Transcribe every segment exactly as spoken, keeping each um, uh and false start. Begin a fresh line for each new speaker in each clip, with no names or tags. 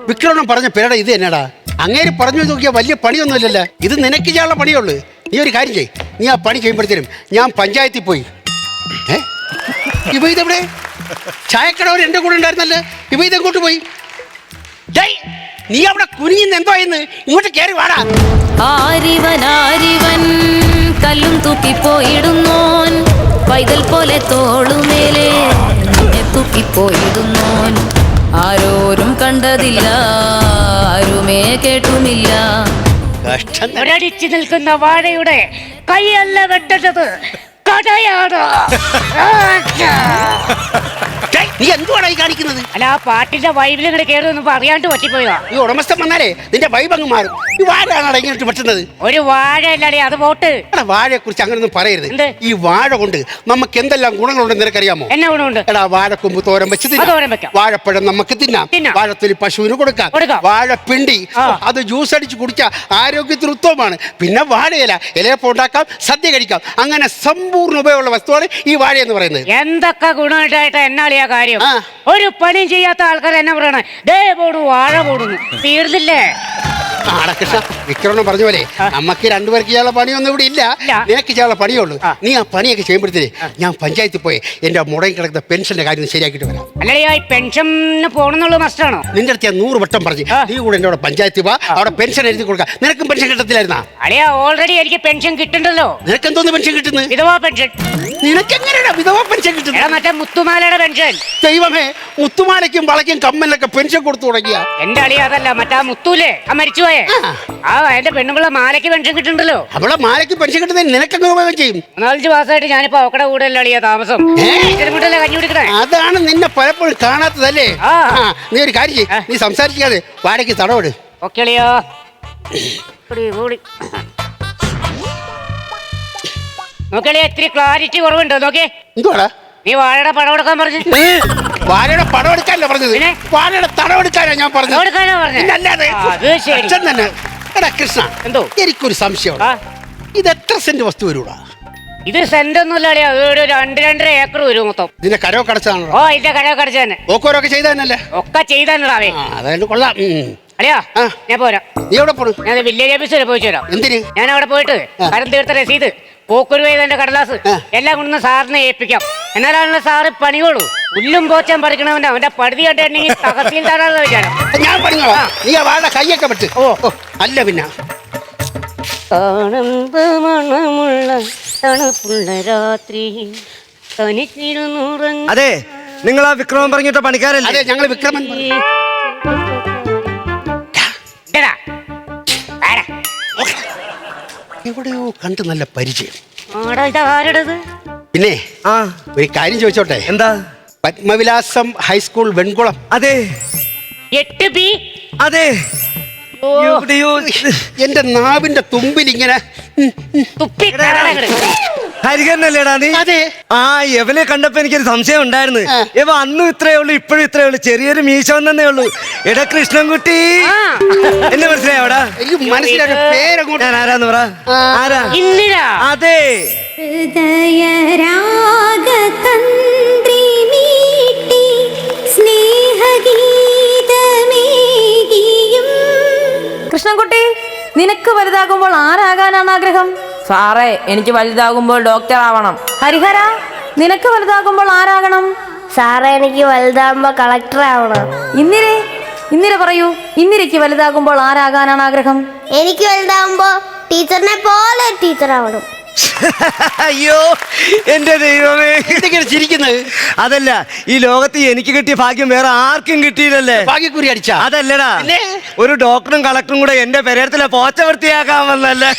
വിക്രമൻ പറഞ്ഞ പേരട ഇത് തന്നെടാ. അങ്ങേര് പറഞ്ഞു നോക്കിയാൽ വലിയ പണിയൊന്നുമില്ലല്ലോ. ഇത് നിനക്ക് ചെയ്യാനുള്ള പണിയുള്ളൂ. നീ ഒരു കാര്യം ചെയ്യ്, നീ ആ പണി ചെയ്യുമ്പോഴത്തേനും ഞാൻ പഞ്ചായത്തിൽ പോയി. ഏ ഇവ ഇതെവിടെ? ചായക്കടവർ എൻ്റെ കൂടെ ഉണ്ടായിരുന്നല്ലേ, ഇവ ഇതെങ്ങോട്ട് പോയി? നീ അവിടെ കുനിഞ്ഞ് എന്തോ ഇന്ന് ഇങ്ങോട്ട് കയറി വാടാ.
ആരിവൻ ആരിവൻ കല്ലും തൂക്കിപ്പോയിടുന്നോൻ, പൈതൽ പോലെ തോളുമേലെ തൂക്കിപ്പോയിടുന്നോൻ. ആരോരും കണ്ടതില്ല, ആരുമേ കേട്ടുമില്ല.
ഒരടിച്ചു നിൽക്കുന്ന വാഴയുടെ കൈയല്ല വെട്ടത്, കടയാണ്.
നീ എന്തുവാണ് ഈ കാണിക്കുന്നത്?
അല്ല, ആ പാട്ടിന്റെ വൈബിലും കൂടെ കയറുമെന്ന് അറിയാണ്ട് പറ്റിപ്പോയതാ.
ഈ ഉടമസ്ഥൻ വന്നാലേ നിന്റെ വൈബ് അങ്ങ് മാറും. ഈ വാഴയാണോ ഇങ്ങോട്ട് പറ്റുന്നത്?
ഒരു വാഴ അല്ലേ, അത് പോട്ട്.
വാഴയെ കുറിച്ച് അങ്ങനൊന്നും പറയരുത്. ഈ വാഴ കൊണ്ട് നമുക്ക് എന്തെല്ലാം ഗുണങ്ങളുണ്ടെന്ന് നിനക്കറിയാമോ?
എന്നാ ഗുണമുണ്ട്?
എടാ, വാഴക്കൊമ്പ് തോരൻ വെച്ച് തിന്നാം, വാഴപ്പഴം നമുക്ക് തിന്നാം, വാഴത്തൊലി പശുവിന് കൊടുക്കാം, വാഴപ്പിണ്ടി അത് ജ്യൂസ് അടിച്ച് കുടിച്ചാൽ ആരോഗ്യത്തിന് ഉത്തമമാണ്. പിന്നെ വാഴയില ഇലയപ്പം ഉണ്ടാക്കാം, സദ്യ കഴിക്കാം. അങ്ങനെ സമ്പൂർണ്ണ ഉപയോഗമുള്ള വസ്തുവാണ് ഈ വാഴ എന്ന് പറയുന്നത്.
എന്തൊക്കെ ഗുണമായിട്ടായിട്ട് എന്നാളിയാ കാര്യം? ഒരു പണിയും ചെയ്യാത്ത ആൾക്കാർ എന്നാ പറയണേ, ദേ പോടു വാഴ പോടുന്നു, തീർന്നില്ലേ?
കൃഷ്ണ, വിക്രമൻ പറഞ്ഞ പോലെ നമുക്ക് രണ്ടുപേർക്ക് ചെയ്യാനുള്ള പണിയൊന്നും ഇവിടെ ഇല്ല. നിനക്ക് ചെയ്യാനുള്ള പണിയുള്ളൂ. നീ ആ പണിയൊക്കെ ചെയ്യുമ്പോഴത്തേന് ഞാൻ പഞ്ചായത്തിൽ പോയി എന്റെ മുടങ്ങി കിടക്കുന്ന പെൻഷന്റെ കാര്യം ശരിയാക്കിട്ട് വരാം.
അല്ലേ, പെൻഷന് പോണെന്നുള്ള മസ്റ്റാണോ?
നിന്റെ അടുത്ത് ഞാൻ നൂറ് വട്ടം പറഞ്ഞു നീ കൂടെ എന്റെ പഞ്ചായത്തിൽ വാ, അവിടെ പെൻഷൻ എഴുതി കൊടുക്കാം. നിനക്കും പെൻഷൻ കിട്ടത്തില്ലായിരുന്നാ?
അളിയാ, ഓൾറെഡി എനിക്ക് പെൻഷൻ കിട്ടുന്നുണ്ടല്ലോ.
നിനക്ക് എന്തോന്ന് പെൻഷൻ കിട്ടുന്നത്?
വിധവാ പെൻഷൻ.
നിനക്ക് എങ്ങനെയാ വിധവാ പെൻഷൻ കിട്ടുന്നത്?
മറ്റേ മുത്തുമാലയുടെ പെൻഷൻ.
ദൈവമേ, മുത്തുമാലയ്ക്കും വളയ്ക്കും കമ്മലിനൊക്കെ പെൻഷൻ കൊടുത്തു തുടങ്ങിയ
എന്റെ അളിയ അതല്ല, മറ്റാ മുത്തൂലേ, ആ മരിച്ചുപോയെ, ആ എന്റെ പെണ്ണുമ്പിള്ള മാലയ്ക്ക് പെൻഷൻ കിട്ടുന്നുണ്ടല്ലോ.
അവളെ മാലയ്ക്ക് പെൻഷൻ കിട്ടുന്നത് നിനക്കെങ്ങനെ ഉപയോഗം ചെയ്യും?
നാലഞ്ച് മാസമായിട്ട് ഞാനിപ്പോ അവക്കടെ കൂടെ അല്ല അളിയ താമസം. കഞ്ഞി കുടിക്കണേ.
അതാണ് നിന്നെ പലപ്പോഴും കാണാത്തതല്ലേ. നീ ഒരു കാര്യം ചെയ്യ്, നീ സംസാരിക്കാതെ വാടകയ്ക്ക് തടവിട്.
ഓക്കെ അളിയോ. നോക്കിയാ ഇത്തിരി ക്ലാരിറ്റി കുറവുണ്ടോ? നോക്കിയേ.
എന്തുവാടാ
നീ വാഴയുടെ പടം എടുക്കാൻ പറഞ്ഞു?
വാഴയുടെ പടം എടുക്കാനല്ല പറഞ്ഞത്, വാഴയുടെ തടം എടുക്കാനാ ഞാൻ പറഞ്ഞത്. തന്നെ. എടാ കൃഷ്ണ, എന്തോ എനിക്കൊരു സംശയമാണ്. ഇത് എത്ര സെന്റ് വസ്തു വരൂടാ?
ഇത് സെന്റ് ഒന്നുമില്ല അളിയാ, ഒരു രണ്ട് രണ്ടര ഏക്കർ വരും മൊത്തം.
ഇതിന്റെ കരോ കടച്ചാണോ?
ഓ, ഇതിന്റെ കരോ കടച്ച തന്നെ.
ഓക്കോരൊക്കെ ചെയ്തതന്നല്ലേ?
ഒക്കെ ചെയ്താനേ.
അതായത് കൊള്ളാം.
അളിയാ, ഞാൻ പോരാ.
നീ എവിടെ പോണു?
ഞാൻ വില്ലേജ് ഓഫീസ് വരെ പോയി ചേരാം.
എന്തിന്? ഞാൻ
അവിടെ പോയിട്ട് കരം തീർത്ത രസീത്, പോക്കുരു ചെയ്തതിന്റെ കടലാസ് എല്ലാം കൊണ്ടു സാറിനെ ഏൽപ്പിക്കാം. എന്നാലാണല്ലോ സാറ് പണിയോളൂ. പുല്ലും പോച്ചാൻ പഠിക്കണവന്റെ അവന്റെ പടുതി കണ്ടെങ്കിൽ തകർത്തിയിട്ടാണെന്ന് വിചാരം.
ഞാൻ പറഞ്ഞോ, നീ ആ വാഴ കൈയൊക്കെ പറ്റ്. ഓ അല്ല പിന്നെ
തണുപ്പുള്ള രാത്രി.
അതെ, നിങ്ങൾ ആ വിക്രമൻ പറഞ്ഞിട്ട പണിക്കാരല്ലേ?
അതെ, ഞങ്ങൾ വിക്രമൻ. എവിടെയോ കണ്ട് നല്ല പരിചയം. പിന്നെ ആ ഒരു കാര്യം ചോദിച്ചോട്ടെ?
എന്താ?
പത്മവിലാസം ഹൈസ്കൂൾ വെൺകുളം.
അതെ.
എട്ട് ബി.
അതെ.
എന്റെ നാവിന്റെ തുമ്പിൽ ഇങ്ങനെ
ഹരിഹരനല്ലേടാ നീ?
അതെ.
ആ എവനെ കണ്ടപ്പോ എനിക്കൊരു സംശയം ഉണ്ടായിരുന്നു. എവ അന്നും ഇത്രയേ ഉള്ളൂ, ഇപ്പോഴും ഇത്രയേ ഉള്ളൂ, ചെറിയൊരു മീശ വന്നേ ഉള്ളൂ. എടാ കൃഷ്ണൻകുട്ടി, എന്നെ മനസ്സിലായോടാ?
മനസ്സിലായ പേരങ്ങോട്ട്.
ഞാൻ ആരാന്ന് പറ. ആരാ?
അതെ.
കൃഷ്ണൻകുട്ടി, നിനക്ക് വലുതാകുമ്പോൾ ആരാകാനാണ് ആഗ്രഹം?
സാറേ, എനിക്ക് വലുതാകുമ്പോൾ ഡോക്ടർ ആവണം.
ഹരിഹര, നിനക്ക് വലുതാകുമ്പോൾ ആരാകണം?
സാറേ, എനിക്ക് വലുതാകുമ്പോ കളക്ടർ ആവണം.
ഇന്ദിരേ, ഇന്ദിര പറയൂ, ഇന്ദിരയ്ക്ക് വലുതാകുമ്പോൾ ആരാകാനാണ് ആഗ്രഹം?
എനിക്ക് വലുതാകുമ്പോ ടീച്ചറിനെ പോലെ ടീച്ചർ ആവണം.
അയ്യോ എന്റെ ദൈവമേ,
എന്തൊക്കെയാണ് ചിരിക്കുന്നത്?
അതല്ല, ഈ ലോകത്ത് എനിക്ക് കിട്ടിയ ഭാഗ്യം വേറെ ആർക്കും കിട്ടിയില്ലല്ലേ.
ഭാഗ്യക്കുറി അടിച്ച
അതല്ലടാ, ഒരു ഡോക്ടറും കളക്ടറും കൂടെ എന്റെ പെരേരത്തിലെ പോച്ച വൃത്തിയാക്കാൻ വന്നല്ലേ.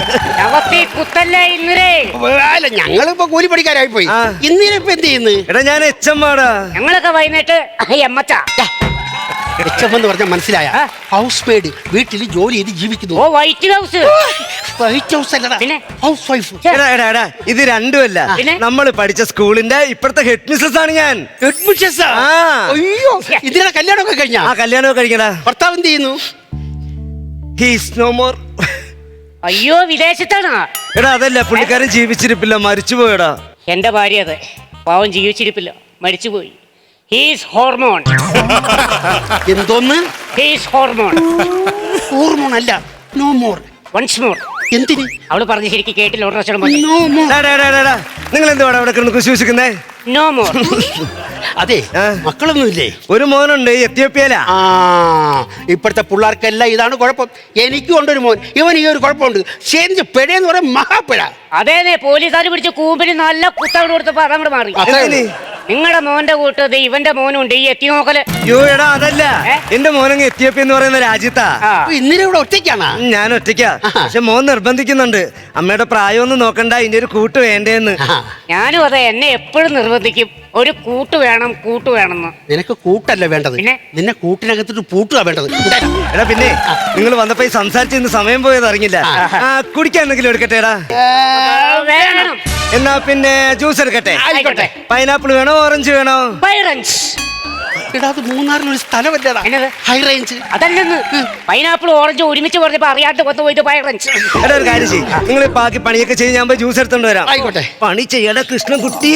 ഞങ്ങളിപ്പോ കൂലിപ്പണിക്കാരായി പോയി. ഇന്നിനിപ്പോ എന്ത് ചെയ്യുന്നു?
എടാ, ഞാൻ എച്ച് എം ആടാ.
ഞങ്ങളൊക്കെ വൈകുന്നേരത്ത്
എച്ച് എം എന്ന് പറഞ്ഞാൽ മനസ്സിലായ ഹൗസ് മെയ്ഡ്, വീട്ടിൽ ജോലി ചെയ്ത് ജീവിക്കുന്നു.
ഓ, വൈറ്റ് ഹൗസ്.
വൈറ്റ് ഹൗസ് അല്ലടാ, ഹൗസ് വൈഫ്.
എടാ എടാ എടാ ഇത് രണ്ടുമല്ല, നമ്മൾ പഠിച്ച സ്കൂളിന്റെ ഇപ്പോഴത്തെ ഹെഡ് മിസ്സസ് ആണ് ഞാൻ.
Head missus? അയ്യോ, ഇതിന്റെ കല്യാണമൊക്കെ കഴിഞ്ഞാ?
ആ, കല്യാണമൊക്കെ കഴിഞ്ഞടാ.
ഭർത്താവ് എന്ത് ചെയ്യുന്നു?
He's no more.
അയ്യോ, വിദേശത്താണ്.
എടാ അതല്ല, പുള്ളിക്കാരൻ ജീവിച്ചിരിപ്പില്ല, മരിച്ചുപോയടാ.
എന്റെ ഭാര്യ അതെ, പാവം ജീവിച്ചിരിപ്പില്ല, മരിച്ചുപോയി. He's hormone.
എന്തോന്ന്?
He's hormone.
ഹോർമോൺ അല്ല, നോ മോർ.
Once more.
എന്തിന്?
അവള് പറഞ്ഞ് ശരിക്കും കേട്ടില്ല. ഒരു പ്രാവശ്യം കൂടെ
നോ മോർ.
നിങ്ങൾ എന്തുവാണ് അവിടെ കിടന്ന് കുശൂസിക്കുന്നേ?
No more.
അതെ,
ആ.
മക്കളൊന്നുമില്ലേ?
ഒരു മോനുണ്ട് എത്യോപ്യയിലാ.
ആ, ഇപ്പോഴത്തെ പിള്ളേർക്കെല്ലാം ഇതാണ് കുഴപ്പം. എനിക്കും ഉണ്ടൊരു മോൻ, ഇവൻ ഈ ഒരു കുഴപ്പമുണ്ട്. ചേഞ്ച് പെഴയെന്ന് പറയാൻ മഹാപ്പിഴ.
അതേനെ പോലീസുകാർ പിടിച്ച് കൂമ്പിന് നല്ല കുത്തവിടെ കൊടുത്തപ്പോ അതങ്ങോട്ട് മാറി.
എന്തിന്?
നിങ്ങളുടെ മോന്റെ കൂട്ടത് ഇവന്റെ മോനും ഉണ്ട് ഈ എത്തി നോക്കല്.
യോ എടാ അതല്ല,
ഏ?
എന്റെ മോനങ്ങ് എത്യോപ്യ എന്ന് പറയുന്ന രാജ്യത്താ.
ആ.
ഇന്നലെ ഇവിടെ ഒറ്റയ്ക്കാണ്.
ഉം, ഞാൻ ഒറ്റയ്ക്കാ. പക്ഷെ മോൻ നിർബന്ധിക്കുന്നുണ്ട്, അമ്മയുടെ പ്രായമൊന്നും നോക്കണ്ട, ഇതിന്റെ ഒരു കൂട്ട് വേണ്ടേന്ന്.
ഞാനും അതെ, എന്നെ എപ്പോഴും നിർബന്ധിക്കും ഒരു കൂട്ട് വേണം കൂട്ട് വേണമെന്ന്.
നിനക്ക് കൂട്ടല്ല വേണ്ടത്,
പിന്നെ?
നിന്നെ കൂട്ടിനകത്തിട്ട് പൂട്ടുക വേണ്ടത്.
എടാ പിന്നെ നിങ്ങൾ വന്നപ്പോ ഈ സംസാരിച്ച് ഇന്ന് സമയം പോയത് അറിഞ്ഞില്ല. ആ, കുടിക്കാൻ എന്തെങ്കിലും എടുക്കട്ടെ എടാ?
വേണം.
എന്നാ പിന്നെ ജ്യൂസ് എടുക്കട്ടെ?
ആയിക്കോട്ടെ.
പൈനാപ്പിൾ വേണോ ഓറഞ്ച് വേണോ?
പൈറൻസ്.
എടാ, അത് മൂന്നാറിനൊരു സ്ഥലമല്ലേടാ,
എന്നത്?
High range.
അതല്ലെന്ന് പൈനാപ്പിൾ ഓറഞ്ച് ഒരുമിച്ച് പറഞ്ഞപ്പോ അറിയാണ്ട് വന്നു പോയത് പൈറൻസ്.
എടാ ഒരു കാര്യം ചെയ്യും, നിങ്ങൾ ബാക്കി പണിയൊക്കെ ചെയ്ത് ഞാൻ പോയി ജ്യൂസ് എടുത്തോണ്ട് വരാം.
ആയിക്കോട്ടെ.
പണി ചെയ്യടാ കൃഷ്ണൻകുട്ടി.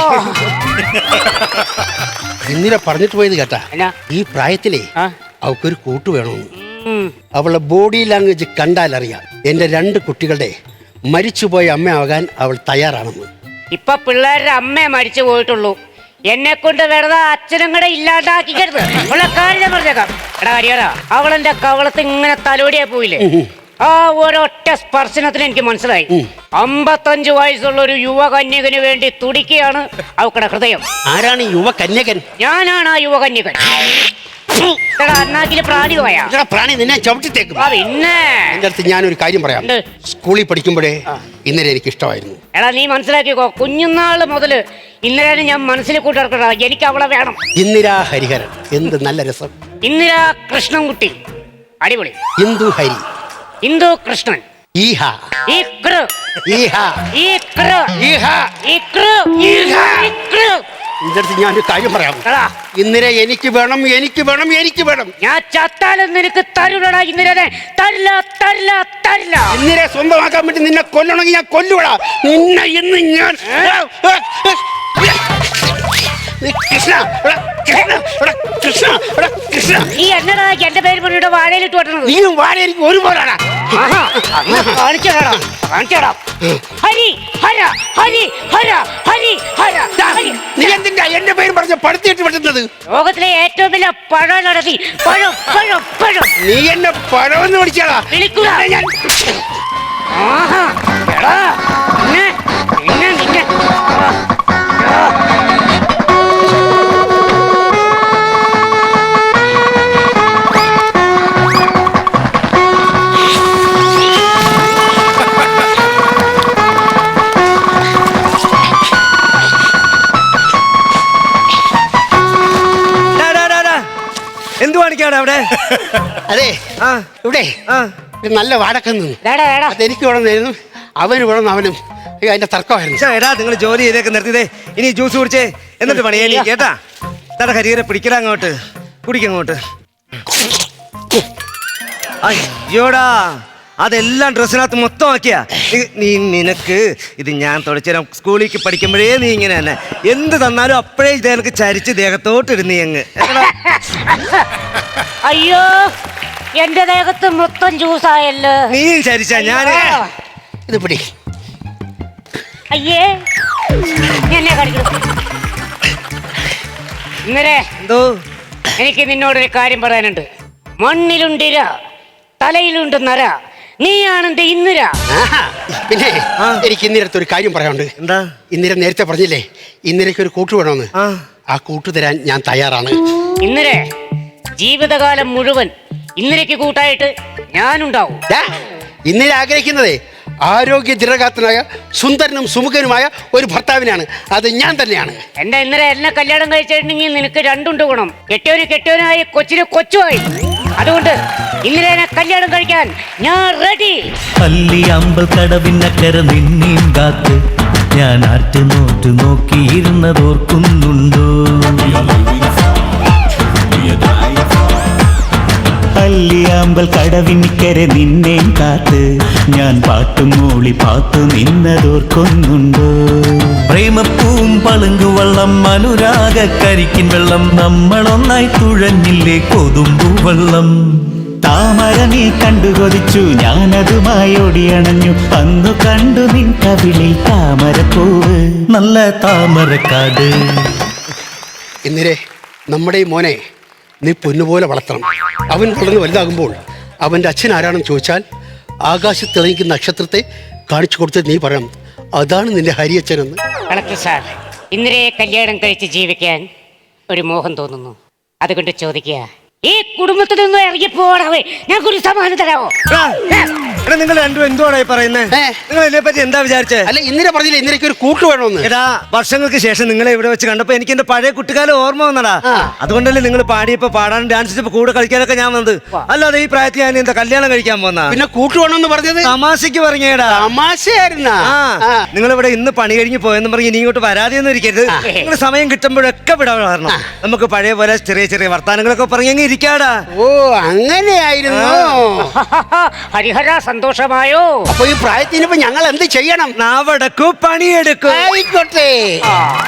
ഇന്നലെ പറഞ്ഞിട്ട് പോയത് കേട്ടാ,
എന്നാ?
ഈ പ്രായത്തിലേ
ആ.
അവൾക്കൊരു കൂട്ട് വേണമെന്ന്.
ഉം.
അവളുടെ ബോഡി ലാംഗ്വേജ് കണ്ടാൽ അറിയാം എന്റെ രണ്ട് കുട്ടികളുടെ മരിച്ചുപോയ അമ്മയാകാൻ അവൾ തയ്യാറാണെന്ന്.
ഇപ്പൊ പിള്ളേരുടെ അമ്മ മരിച്ചു പോയിട്ടുള്ളൂ. എന്നെ കൊണ്ട് വെറുതെ അച്ഛനും കൂടെ ഇല്ലാണ്ടാക്കിക്കരുത്. ഉള്ള കാര്യം പറഞ്ഞേക്കാം. എടാ കരിയറാ, അവളെന്റെ കവളത്ത് ഇങ്ങനെ തലോടിയാ പോയില്ലേ, ആ ഒരൊറ്റ സ്പർശനത്തിന് എനിക്ക് മനസ്സിലായി അമ്പത്തഞ്ചു വയസ്സുള്ള ഒരു യുവകന്യകന് വേണ്ടി തുടിക്കുകയാണ് അവക്കടെ ഹൃദയം.
ആരാണ് ഈ യുവ കന്യകൻ?
ഞാനാണ് ആ യുവകന്യകൻ. എടാ അണ്ണാക്കില് പ്രാണി പോയാ
എടാ, പ്രാണി നിന്നെ ചവിട്ടിത്തേക്കും.
ആ പിന്നെ
എന്റെ അടുത്ത് ഞാനൊരു കാര്യം പറയാം.
എന്ത്?
സ്കൂളിൽ പഠിക്കുമ്പോഴേ ഇന്നലെ എനിക്ക് ഇഷ്ടമായിരുന്നു.
എടാ നീ മനസ്സിലാക്കിക്കോ, കുഞ്ഞുനാള് മുതല് ഇന്നലെ ഞാൻ മനസ്സിൽ കൂട്ടിറക്കടാ, എനിക്ക് അവളെ വേണം.
ഇന്ദിരാ ഹരിഹരൻ, എന്ത് നല്ല രസം.
ഇന്ദിരാ കൃഷ്ണൻകുട്ടി അടിപൊളി.
ഇന്ദു ഹരി,
ഇന്ദു കൃഷ്ണൻ,
ഈഹ
ഈ കൃ
ഈഹ
ഈ കൃ
ഈഹ.
ഈ കൃ
ഈഹ.
ഈ കൃ.
എന്റെ അടുത്ത് ഞാനൊരു കാര്യം പറയാം.
എടാ,
ഇന്ദിര എനിക്ക് വേണം, എനിക്ക് വേണം, എനിക്ക് വേണം.
ഞാൻ ചത്താലും നിനക്ക് തരൂലടാ ഇന്ദിരനെ. തരില്ല തരില്ല തരില്ല.
ഇന്ദിരെ സ്വന്തമാക്കാൻ വേണ്ടി നിന്നെ കൊല്ലണമെങ്കിൽ ഞാൻ കൊല്ലുവിടാ നിന്നെ. ഇന്ന് ഞാൻ കൃഷ്ണ എടാ, കൃഷ്ണ എടാ, കൃഷ്ണ എടാ, കൃഷ്ണ.
ഈ എന്നടാ എന്റെ പേര് പറഞ്ഞിട്ട് വാഴയിലിട്ട് വെട്ടണത്?
നീയും വാഴ എനിക്ക് ഒരുപോലാടാ.
ആഹാ, അങ്ങ് കാണിച്ചടാ കാണിച്ചടാ. ഹരി ഹര ഹരി ഹര ഹരി ഹര ഹരി.
നീ എന്തിന്റെ എന്റെ പേര് പറഞ്ഞ് പടുത്തിട്ട് വിട്ടുന്നത്?
ലോകത്തിലെ ഏറ്റവും വലിയ പഴം നടത്തി പഴം പഴം പഴം.
നീ എന്നെ പഴമെന്ന് വിളിച്ചാടാ.
വിളിക്കുക.
ഞാൻ
ആഹാ, എടാ, നിന്നെ നിന്നെ നിന്നെ ആ, ആ.
എന്തു കാണിക്കാണ് അവിടെ?
അതെ,
ആ
ഇവിടെ
ആ
ഒരു നല്ല വാടക്കം നിന്നു.
എടാ, എടാ.
അതെനിക്ക് വേണമെന്നായിരുന്നു, അവന് വേണമെന്ന് അവനും. അയ്യോ, അതിന്റെ തർക്കമായിരുന്നു.
ശ്ശെ, എടാ നിങ്ങൾ ജോലി ചെയ്തേക്ക് നിർത്തിയതേ. ഇനി ജ്യൂസ് കുടിച്ചേ, എന്നിട്ട് പണി എണീ കേട്ടാ. തട കരിയറെ പിടിക്കടാ അങ്ങോട്ട്, കുടിക്കങ്ങോട്ട്. അയ്യോടാ, അതെല്ലാം ഡ്രസ്സിനകത്ത് മൊത്തം ആക്കിയാ നീ. നിനക്ക് ഇത് ഞാൻ തുടച്ചുതരാം. സ്കൂളിലേക്ക് പഠിക്കുമ്പോഴേ നീ ഇങ്ങനെ തന്നെ എന്ത് തന്നാലും അപ്പോഴേ ഇത് എനിക്ക് ചരിച്ച് ദേഹത്തോട്ട് ഇടുന്നീ അങ്ങ്.
അയ്യോ, എന്റെ ദേഹത്ത് മൊത്തം ജ്യൂസായല്ലോ.
നീയും ചരിച്ചാ ഞാൻ.
ഇത് പിടി.
അയ്യേ, എന്നെ കാണിക്കണം. ഇന്നലെ
എന്തോ
എനിക്ക് നിന്നോടൊരു കാര്യം പറയാനുണ്ട്. മണ്ണിലുണ്ടിര, തലയിലുണ്ട് നര, നീയാണെന്റെ ഇന്ദിര.
ആഹാ, പിന്നെ
ആ.
എനിക്ക് ഇന്ദിരത്ത് ഒരു കാര്യം പറയാനുണ്ട്.
എന്താ?
ഇന്ദിര നേരത്തെ പറഞ്ഞില്ലേ ഇന്ദിരയ്ക്ക് ഒരു കൂട്ട് വേണമെന്ന്.
ആ
ആ കൂട്ട് തരാൻ ഞാൻ തയ്യാറാണ്.
ഇന്ദിര ജീവിതകാലം മുഴുവൻ ഇന്ദിരയ്ക്ക് കൂട്ടായിട്ട് ഞാനുണ്ടാവും.
ദാ, ഇന്ദിര ആഗ്രഹിക്കുന്നതേ ആരോഗ്യ ദൃഢഗാത്രനായ സുന്ദരനും സുമുഖനുമായ ഒരു ഭർത്താവിനാണ്. അത് ഞാൻ തന്നെയാണ്.
എന്റെ ഇന്ദിര എന്നെ കല്യാണം കഴിച്ചിട്ടുണ്ടെങ്കിൽ നിനക്ക് രണ്ടുണ്ട് ഗുണം. കെട്ടിയവന് കെട്ടിയവനായി, കൊച്ചിന് കൊച്ചുമായി. അതുകൊണ്ട് ഇന്ദിരനെ കല്യാണം കഴിക്കാൻ ഞാൻ റെഡി.
പല്ലി അമ്പൽ കടവിനക്കര നിന്നെയും കാത്ത് ഞാൻ ആറ്റുനോറ്റു നോക്കിയിരുന്നതോർക്കുന്നുണ്ടോ? പല്ലി അമ്പൽ കടവിനിക്കരെ നിന്നേം കാത്ത് ഞാൻ പാട്ടും മൂളി പാത്തു നിന്നതോർക്കൊന്നുണ്ടോ പ്രേമപ്പൂവും പളുങ്കു വള്ളം അനുരാഗ കരിക്കിൻ വെള്ളം നമ്മളൊന്നായി തുഴഞ്ഞില്ലേ കൊതുമ്പു വെള്ളം താമര നീ കണ്ടു കൊതിച്ചു ഞാനതുമായി ഓടിയണഞ്ഞു അന്നു കണ്ടു നിൻ കവിളിൽ താമരപ്പൂവ് നല്ല താമരക്കാട്.
ഇന്ദിരേ, നമ്മുടെ ഈ മോനെ നീ പൊന്നുപോലെ വളർത്തണം. അവൻ വളർന്ന് വലുതാകുമ്പോൾ അവൻ്റെ അച്ഛൻ ആരാണെന്ന് ചോദിച്ചാൽ ആകാശത്ത് തെളിയിക്കുന്ന നക്ഷത്രത്തെ കാണിച്ചു കൊടുത്ത് നീ പറയണം അതാണ് നിന്റെ ഹരിയച്ഛനെന്ന്.
കളക്ടർ സാർ, ഇന്ദിരയെ കല്യാണം കഴിച്ച് ജീവിക്കാൻ ഒരു മോഹം തോന്നുന്നു. അതുകൊണ്ട് ചോദിക്കുക, ഈ കുടുംബത്തിൽ നിന്നും ഇറങ്ങിപ്പോടാവേ, ഞങ്ങൾക്കൊരു സമാധാനം തരാമോ?
എടാ നിങ്ങൾ രണ്ടും എന്തുവാണ് പറയുന്നത്?
ഏ?
നിങ്ങൾ ഇതിനെ പറ്റി എന്താ വിചാരിച്ചേ?
അല്ല, ഇന്ദിര പറഞ്ഞില്ല ഇന്ദിരയ്ക്ക് ഒരു കൂട്ട് വേണമെന്ന്.
എടാ, വർഷങ്ങൾക്ക് ശേഷം നിങ്ങളെ ഇവിടെ വെച്ച് കണ്ടപ്പോ എനിക്ക് എന്റെ പഴയ കുട്ടിക്കാലം ഓർമ്മ വന്നടാ.
ആ.
അതുകൊണ്ടല്ലേ നിങ്ങൾ പാടിയപ്പോ പാടാനും ഡാൻസ് ചെയ്തപ്പോ കൂടെ കളിക്കാനൊക്കെ ഞാൻ വന്നത്. അല്ലാതെ ഈ പ്രായത്തിൽ ഞാൻ എന്താ കല്യാണം കഴിക്കാൻ പോന്നാ?
പിന്നെ കൂട്ട് വേണമെന്ന് പറഞ്ഞത്
തമാശക്ക് പറഞ്ഞേടാ.
തമാശയായിരുന്നാ?
ആ, നിങ്ങളിവിടെ ഇന്ന് പണി കഴിഞ്ഞ് പോയെന്ന് പറഞ്ഞ് ഇനി ഇങ്ങോട്ട് വരാതെയൊന്നും ഇരിക്കരുത്. നിങ്ങൾ സമയം കിട്ടുമ്പോഴൊക്കെ വിടാൻ വരണം. നമുക്ക് പഴയ പോലെ ചെറിയ ചെറിയ വർത്താനങ്ങളൊക്കെ പറഞ്ഞെങ്കിൽ ഇരിക്കാടാ.
ഓ, അങ്ങനെയായിരുന്നു.
ഹരിഹര, സന്തോഷമായോ?
അപ്പൊ ഈ പ്രായത്തിനിപ്പോ ഞങ്ങൾ എന്ത് ചെയ്യണം?
നാവടക്കൂ പണിയെടുക്കൂ.
ആയിക്കോട്ടെ.